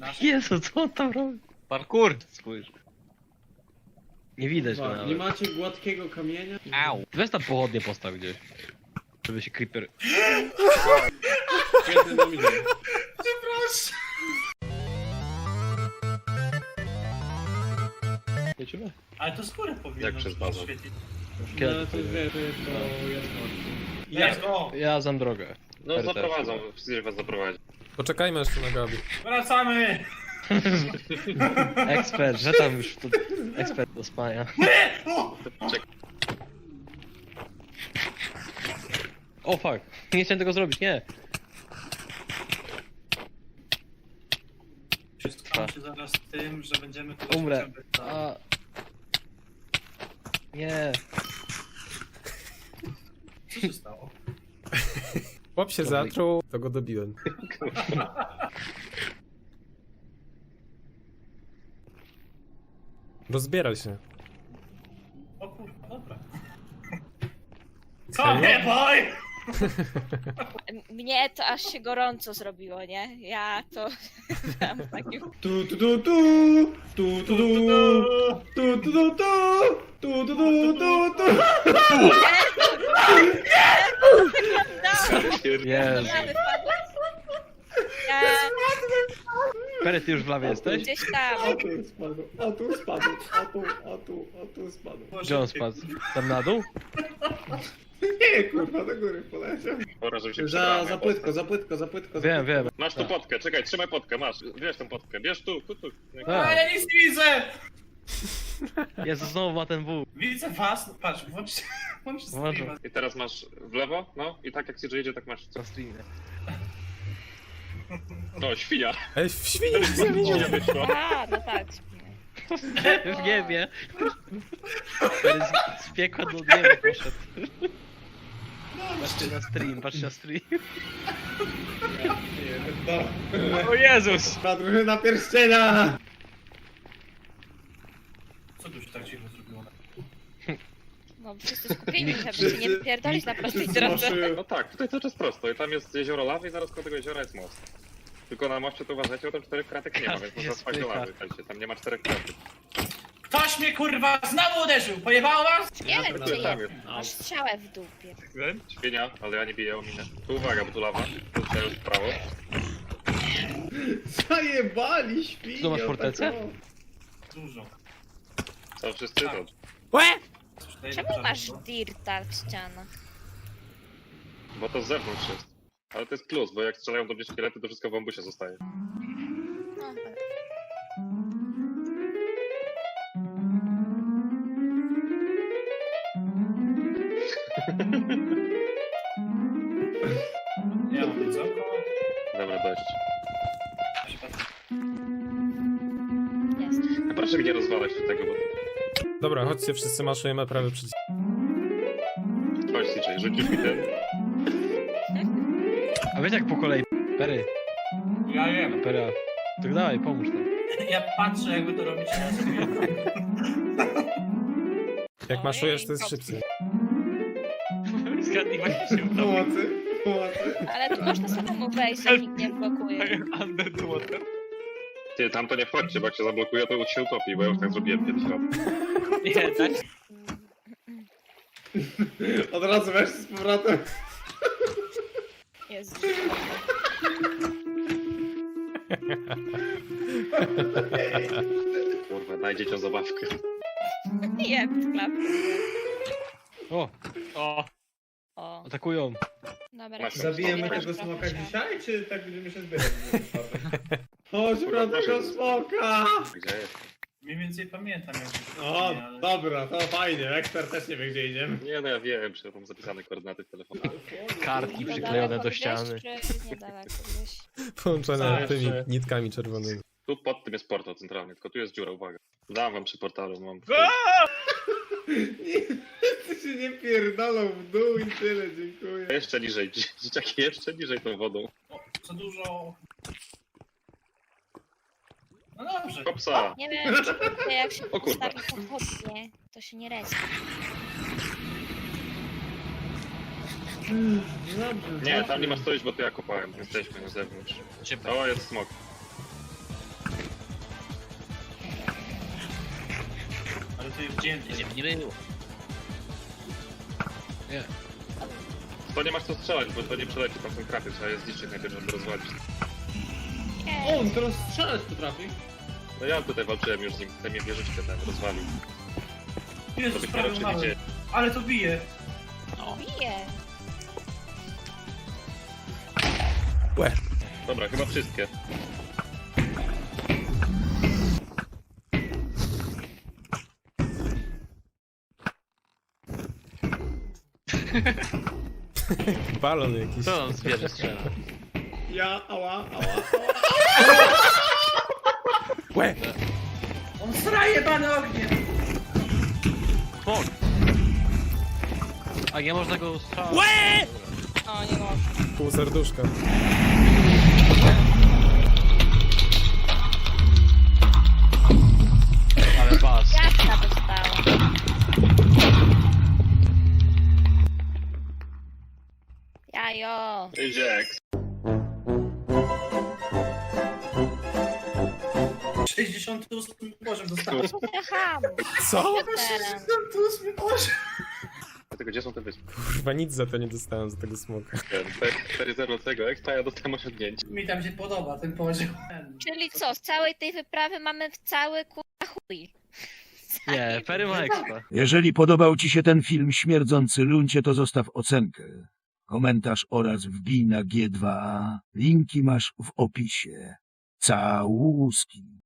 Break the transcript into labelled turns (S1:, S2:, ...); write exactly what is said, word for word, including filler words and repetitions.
S1: Jezu, co on tam robi? Parkour, spójrz. Nie widać go
S2: Dwa.
S1: nawet.
S2: Nie macie gładkiego kamienia?
S1: Au. Weź tam pochodnie postaw gdzieś. Żeby się creeper...
S2: Świetny na milion.
S3: Przepraszam.
S1: Lecimy?
S3: Ale to skórę powinno
S4: Jak przez bazę.
S3: świecić.
S2: No ale to wie, to jest to jasno.
S3: Let's go!
S1: Ja znam drogę.
S4: No
S1: R T.
S4: zaprowadzą, wszyscy was zaprowadzi.
S5: Poczekajmy jeszcze na Gabi.
S3: Wracamy!
S1: Ekspert, że tam już tu... Ekspert do spania.
S4: Czekaj.
S1: O fuck, nie chciałem tego zrobić, nie.
S3: Wszystko się zaraz tym, że będziemy tu...
S1: Umrę. A... Nie.
S3: Co się stało?
S5: Chłop się zatruł, to go dobiłem. Rozbieraj się.
S3: O kurwa, dobra. Co nie boj!
S6: Mnie to aż się gorąco zrobiło, nie? Ja to tam takim...
S2: Tu tu tu tu tu tu tu tu tu tu tu tu tu tu tu tu.
S1: Jezu.
S6: Ja wypadłam. Ja
S1: Pery, ty już w lawie jesteś?
S6: gdzieś tam.
S2: A tu spadł, a tu spadł, a tu, a tu, a tu spadł.
S1: Gdzie on spadł? Tam na dół?
S2: Nie, kurwa, do góry poleciał.
S4: Pora, żeby się
S2: Za,
S4: przebrałem.
S2: za płytko, za płytko, za płytko. za
S1: Wiem,
S2: płytko.
S1: wiem.
S4: Masz tu potkę, czekaj, trzymaj potkę, masz. Bierz tą potkę, bierz tu, tu, tu.
S1: A,
S3: A ja nic nie widzę!
S1: Jezu, znowu ma ten wół.
S3: Widzę was, no patrz, włącz, włącz
S1: Włączam.
S3: streama.
S4: I teraz masz w lewo, no i tak jak ci jedzie, tak masz.
S1: Na streamie.
S4: No, świnia.
S5: Ej, w świnie się zamienił.
S4: Świnia wyszła.
S6: A, no tak.
S1: W niebie. Pery z, z piekła do nieba poszedł. Patrzcie na stream, patrzcie na stream.
S2: No.
S1: O Jezus!
S2: Ta drużyna pierścienia!
S3: Co tu się tak cicho zrobiło?
S6: No wszyscy skupieni, żeby się nie pierdolić na prostej drodze.
S4: No tak, tutaj cały czas prosto. I tam jest jezioro lawy i zaraz koło tego jeziora jest most. Tylko na moście to uważajcie, bo tam czterech kratek nie ma, więc można
S1: Jest
S4: spać do
S1: pycha.
S4: lawy. Słuchajcie, tam nie ma czterech kratek.
S3: Ktoś mnie kurwa znowu uderzył! Pojebało was?
S6: Nie wiem, czy
S4: Tam
S6: jest.
S4: jest.
S6: Masz strzałę w dupie.
S4: Świnia, ale ja nie biję o minę. Tu uwaga, bo tu lawa. Tu trzeba już w prawo.
S2: Zajebali świnio.
S1: Tu masz fortecę?
S2: tak o.
S3: Dużo.
S4: Co, wszyscy to?
S5: Łe!
S3: Coś tutaj
S6: Czemu
S3: nie
S6: masz
S3: pożarło.
S6: dirta w ścianach?
S4: Bo to z zewnątrz jest. Ale to jest plus, bo jak strzelają do mnie szkielety, to wszystko w ambusie zostaje.
S6: No,
S3: Ja mam jedzonko.
S4: Dobra, dość.
S6: jest.
S4: A proszę mi nie rozwalać do tego, bo...
S5: Dobra, chodźcie, wszyscy maszujemy prawy przycisk.
S4: Chodź, C J, rzucisz mi ten.
S1: A wiecie jak po kolei? Pery,
S3: Ja wiem.
S1: Pery. Tak dawaj, pomóż tam.
S3: Ja patrzę jakby to robić. Ja sobie...
S5: Jak maszujesz, to jest szybciej.
S1: Zgadnij właśnie się
S2: Pomocy, pomocy.
S6: Ale tu można samemu wejść, jak nikt nie blokuje.
S1: Underwater.
S4: Ty, tam to nie wchodźcie, bo jak się zablokuje, to się utopi, bo ja już tak zrobiłem kiedyś raz.
S1: Nie, tak?
S2: Od razu weź z powrotem.
S6: Jezu.
S4: Kurwa, daj dzieciom zabawkę.
S6: Nie, klap.
S1: O, o,
S6: O,
S1: atakują.
S6: dobra.
S4: Masz-
S2: Zabijemy
S6: Nie
S2: tego
S6: masz
S2: smoka
S6: trochę
S2: dzisiaj, czy tak będziemy się zbierać? Chodź na tego smoka!
S4: Gdzie jest?
S3: Mniej więcej pamiętam jak
S2: O,
S3: ale...
S2: dobra, to fajnie, ekspert też nie wie gdzie idziemy.
S4: Nie, no ja wiem, że mam zapisane koordynaty w telefonie.
S1: Kartki
S6: To
S1: przyklejone
S6: daleko
S1: do
S6: gdzieś,
S1: ściany.
S6: czy niedaleko gdzieś?
S5: Połączone
S3: Zawsze.
S5: tymi nitkami czerwonymi.
S4: Tu pod tym jest portal centralny, tylko tu jest dziura, uwaga. Dam wam przy portalu, mam...
S2: Nie, ty się nie pierdolą w dół i tyle, dziękuję.
S4: Jeszcze niżej, dzieciaki, jeszcze niżej tą wodą.
S3: O, za dużo... No dobrze.
S4: Kopsa!
S6: Nie wiem, czy to jak się
S4: O kurwa.
S6: postawi pochodnie, to się nie respi.
S2: Dobrze,
S4: Nie, tam nie ma stoić, bo to ja kopałem. Jesteśmy na zewnątrz. O, jest smok.
S3: to już dzień.
S1: Nie, nie było. Nie.
S4: To nie masz co strzelać, bo to nie przeleci, tam są kraty, trzeba je zniszczyć najpierw, żeby rozwalić.
S2: O, on teraz strzelać potrafi.
S4: No ja tutaj walczyłem już z nim, ten mnie wieżyczkę ten rozwalił. To
S3: Jezus,
S4: byś nie
S3: prawie
S4: wiem, czy
S3: umarłem.
S4: widzieli.
S3: Ale to bije.
S6: Bije.
S5: Łe.
S4: Dobra, chyba wszystkie.
S5: Balon jakiś.
S1: Co on zwierzę strzela?
S2: Ja, ała, ała, ała.
S5: Łe!
S3: On sraje bany ogniem.
S1: Fuck! A nie można go strzelać.
S6: O, nie można.
S5: Pół serduszka.
S1: Ale bas.
S6: Jaka dostała. Jajo.
S4: Idzie X.
S3: sześćdziesiąty ósmy poziom dostałem.
S6: Aha,
S5: Co?
S6: teraz.
S3: sześćdziesiąty ósmy poziom.
S4: Dlatego gdzie są te wyspy?
S5: Kurwa, nic za to nie dostałem za tego smoka.
S4: cztery zero tego X, a ja dostałem osiągnięcie.
S3: Mi tam się podoba ten poziom.
S6: Czyli co, z całej tej wyprawy mamy w cały kurwa chuj.
S1: Nie, Perry ma expa.
S7: Jeżeli podobał Ci się ten film Śmierdzący Luncie, to zostaw ocenkę, komentarz oraz wbij na G dwa A. Linki masz w opisie. Całuski.